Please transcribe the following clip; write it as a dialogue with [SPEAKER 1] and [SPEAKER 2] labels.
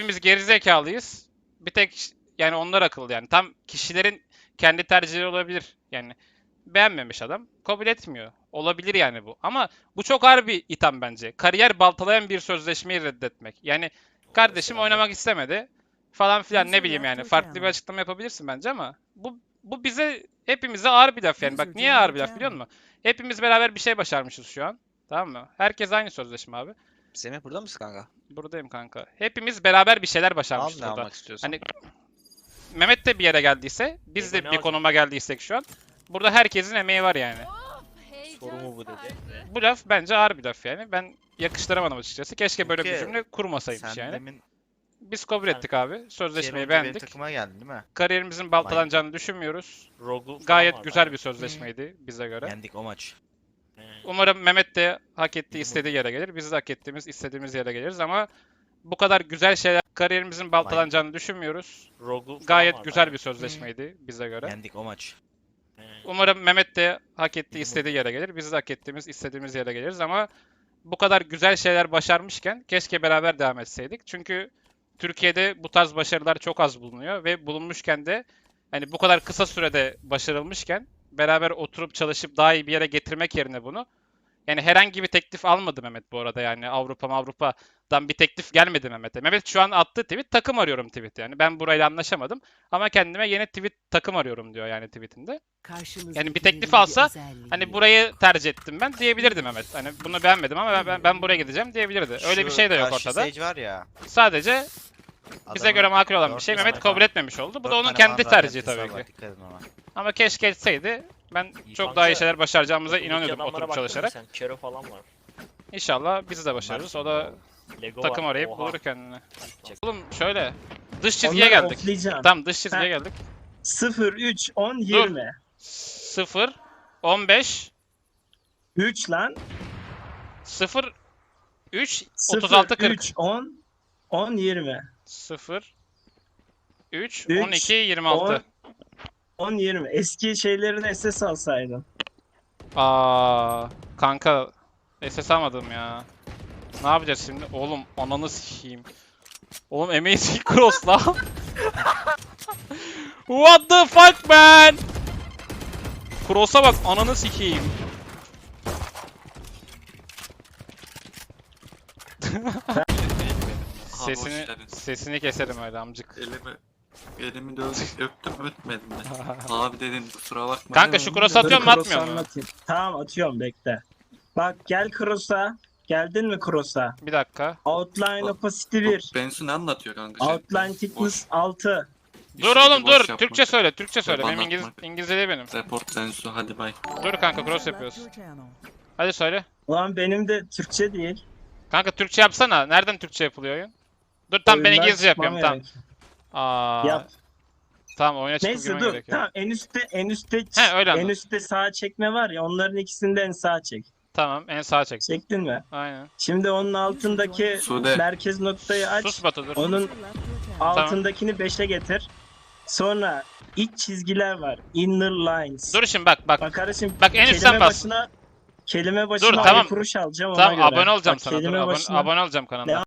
[SPEAKER 1] hepimiz gerizekalıyız. Bir tek yani onlar akıllı yani. Tam kişilerin kendi tercihleri olabilir. Yani beğenmemiş adam. Kabul etmiyor. Olabilir yani bu. Ama bu çok ağır bir itham bence. Kariyer baltalayan bir sözleşmeyi reddetmek. Yani kardeşim oynamak istemedi falan filan ne bileyim yani. Farklı bir açıklama yapabilirsin bence ama bu bize hepimize ağır bir laf yani. Bak niye ağır bir laf biliyor musun? Hepimiz beraber bir şey başarmışız şu an. Tamam mı? Herkes aynı sözleşme abi.
[SPEAKER 2] Semih burada mısın kanka?
[SPEAKER 1] Buradayım kanka. Hepimiz beraber bir şeyler
[SPEAKER 2] Al
[SPEAKER 1] başarmışız
[SPEAKER 2] ne
[SPEAKER 1] burada.
[SPEAKER 2] almak istiyorsan.
[SPEAKER 1] Hani Mehmet de bir yere geldiyse, biz de bir konuma geldiysek şu an. Burada herkesin emeği var yani.
[SPEAKER 2] Soru mu bu dedi?
[SPEAKER 1] Bu laf bence ağır bir laf yani. Ben yakıştıramadım açıkçası. Keşke böyle bir
[SPEAKER 2] Peki,
[SPEAKER 1] cümle kurmasaymış
[SPEAKER 2] Sen
[SPEAKER 1] yani.
[SPEAKER 2] demin
[SPEAKER 1] Biz kabul ettik abi. Sözleşmeyi
[SPEAKER 2] benim
[SPEAKER 1] beğendik.
[SPEAKER 2] takıma geldin değil mi?
[SPEAKER 1] Kariyerimizin baltalanacağını düşünmüyoruz.
[SPEAKER 3] Rogu falan
[SPEAKER 1] Gayet
[SPEAKER 3] var
[SPEAKER 1] güzel
[SPEAKER 3] galiba.
[SPEAKER 1] bir sözleşmeydi bize göre.
[SPEAKER 2] Yendik o maç.
[SPEAKER 1] Umarım Mehmet de hak ettiği, istediği yere gelir. Biz de hak ettiğimiz, istediğimiz yere geliriz ama bu kadar güzel şeyler kariyerimizin baltalanacağını düşünmüyoruz.
[SPEAKER 3] Rogu falan
[SPEAKER 1] Gayet
[SPEAKER 3] var
[SPEAKER 1] güzel
[SPEAKER 3] galiba.
[SPEAKER 1] bir sözleşmeydi bize göre.
[SPEAKER 2] Yendik o maç.
[SPEAKER 1] Umarım Mehmet de hak ettiği, istediği yere gelir. Biz de hak ettiğimiz, istediğimiz yere geliriz ama bu kadar güzel şeyler başarmışken keşke beraber devam etseydik. Çünkü Türkiye'de bu tarz başarılar çok az bulunuyor ve bulunmuşken de hani bu kadar kısa sürede başarılmışken beraber oturup çalışıp daha iyi bir yere getirmek yerine bunu yani herhangi bir teklif almadı Mehmet bu arada yani Avrupa'dan bir teklif gelmedi Mehmet'e. Mehmet şu an attığı tweet takım arıyorum tweet yani. Ben burayla anlaşamadım ama kendime yeni takım arıyorum diyor yani tweetinde. Yani bir teklif alsa hani burayı tercih ettim ben diyebilirdi Mehmet. Hani bunu beğenmedim ama ben buraya gideceğim diyebilirdi. Öyle bir şey de yok
[SPEAKER 2] karşı
[SPEAKER 1] ortada.
[SPEAKER 2] Sage var ya.
[SPEAKER 1] Sadece bize
[SPEAKER 2] adamın
[SPEAKER 1] göre makul olan bir
[SPEAKER 2] dört
[SPEAKER 1] şey
[SPEAKER 2] tane
[SPEAKER 1] Mehmet
[SPEAKER 2] var.
[SPEAKER 1] kabul etmemiş oldu. Bu da
[SPEAKER 2] Dört
[SPEAKER 1] onun
[SPEAKER 2] tane
[SPEAKER 1] kendi
[SPEAKER 2] falan
[SPEAKER 1] tercihi
[SPEAKER 2] radyantesi
[SPEAKER 1] tabii
[SPEAKER 2] var,
[SPEAKER 1] ki.
[SPEAKER 2] dikkat edin ona.
[SPEAKER 1] Ama keşke etseydi. Ben çok
[SPEAKER 3] Kanka,
[SPEAKER 1] daha iyi şeyler başaracağımıza
[SPEAKER 3] Buradaki
[SPEAKER 1] inanıyordum
[SPEAKER 3] adamlara
[SPEAKER 1] oturup
[SPEAKER 3] baktın mı
[SPEAKER 1] çalışarak.
[SPEAKER 3] sen? Kero falan var.
[SPEAKER 1] İnşallah biz de başarırız. O da
[SPEAKER 3] Lego
[SPEAKER 1] takım
[SPEAKER 3] var.
[SPEAKER 1] arayıp
[SPEAKER 3] Oha.
[SPEAKER 1] bulur kendini.
[SPEAKER 3] Çek.
[SPEAKER 1] Oğlum şöyle. Dış çizgiye
[SPEAKER 4] Onları
[SPEAKER 1] geldik.
[SPEAKER 4] offlayacağım.
[SPEAKER 1] Tamam dış çizgiye geldik.
[SPEAKER 4] 0, 3, 10, 20.
[SPEAKER 1] 0, 15,
[SPEAKER 4] 3 lan.
[SPEAKER 1] 0, 3,
[SPEAKER 4] 0,
[SPEAKER 1] 36, 40.
[SPEAKER 4] 3, 10, 10, 20.
[SPEAKER 1] 0, 3,
[SPEAKER 4] 3,
[SPEAKER 1] 12, 26.
[SPEAKER 4] 10, 20. Eski şeylerini SS alsaydın.
[SPEAKER 1] Kanka SS almadım ya. Ne yapacağız şimdi? Oğlum ananı sikeyim. Oğlum Amazing Cross lan. What the fuck man? Cross'a bak ananı sikeyim. Sesini keserim öyle amcık.
[SPEAKER 5] Elimi de öptüm öpmedim de. Abi dedim kusura bakma.
[SPEAKER 1] Kanka şu cross atıyor mu
[SPEAKER 4] Cross'u
[SPEAKER 1] atmıyor mu?
[SPEAKER 4] anlatayım. Tamam atıyorum bekle. Bak gel Cross'a. Geldin mi Cross'a?
[SPEAKER 1] Bir dakika.
[SPEAKER 4] Outline
[SPEAKER 5] Bak,
[SPEAKER 4] opacity 1.
[SPEAKER 5] Bensu ne anlatıyor kanka? Şey,
[SPEAKER 4] Outline thickness 6.
[SPEAKER 1] Dur oğlum dur. Türkçe söyle, Türkçe söyle.
[SPEAKER 5] Bana
[SPEAKER 1] Benim
[SPEAKER 5] atmak.
[SPEAKER 1] İngilizce değil benim.
[SPEAKER 5] Report Bensu hadi bay.
[SPEAKER 1] Dur kanka cross yapıyoruz. Hadi söyle.
[SPEAKER 4] Ulan benim de Türkçe değil.
[SPEAKER 1] Kanka Türkçe yapsana. Nereden Türkçe yapılıyor oyun? Dur tamam ben
[SPEAKER 4] Oyundan
[SPEAKER 1] İngilizce yapıyorum
[SPEAKER 4] çıkmam
[SPEAKER 1] tamam.
[SPEAKER 4] gerek. Yap.
[SPEAKER 1] Tamam oyuna çıkıp
[SPEAKER 4] Neyse
[SPEAKER 1] girmen
[SPEAKER 4] dur.
[SPEAKER 1] gerekiyor.
[SPEAKER 4] Tamam en üstte
[SPEAKER 1] He, öyle
[SPEAKER 4] en
[SPEAKER 1] anlat.
[SPEAKER 4] üstte sağa çekme var ya onların ikisini de en sağa çek.
[SPEAKER 1] Tamam en sağa çek.
[SPEAKER 4] Çektin mi?
[SPEAKER 1] Aynen.
[SPEAKER 4] Şimdi onun altındaki
[SPEAKER 5] Sude.
[SPEAKER 4] merkez noktayı aç.
[SPEAKER 1] Sus Batu dur.
[SPEAKER 4] Onun altındakini 5'e getir. Sonra iç çizgiler var. Inner lines.
[SPEAKER 1] Dur şimdi bak.
[SPEAKER 4] Bak kardeşim
[SPEAKER 1] Bak en üstten bas.
[SPEAKER 4] kelime başına
[SPEAKER 1] Dur, tamam.
[SPEAKER 4] kuruş alacağım ona
[SPEAKER 1] Tamam
[SPEAKER 4] göre.
[SPEAKER 1] abone olacağım
[SPEAKER 4] Bak,
[SPEAKER 1] sana. Dur
[SPEAKER 4] kelime başına
[SPEAKER 1] abone olacağım kanalına.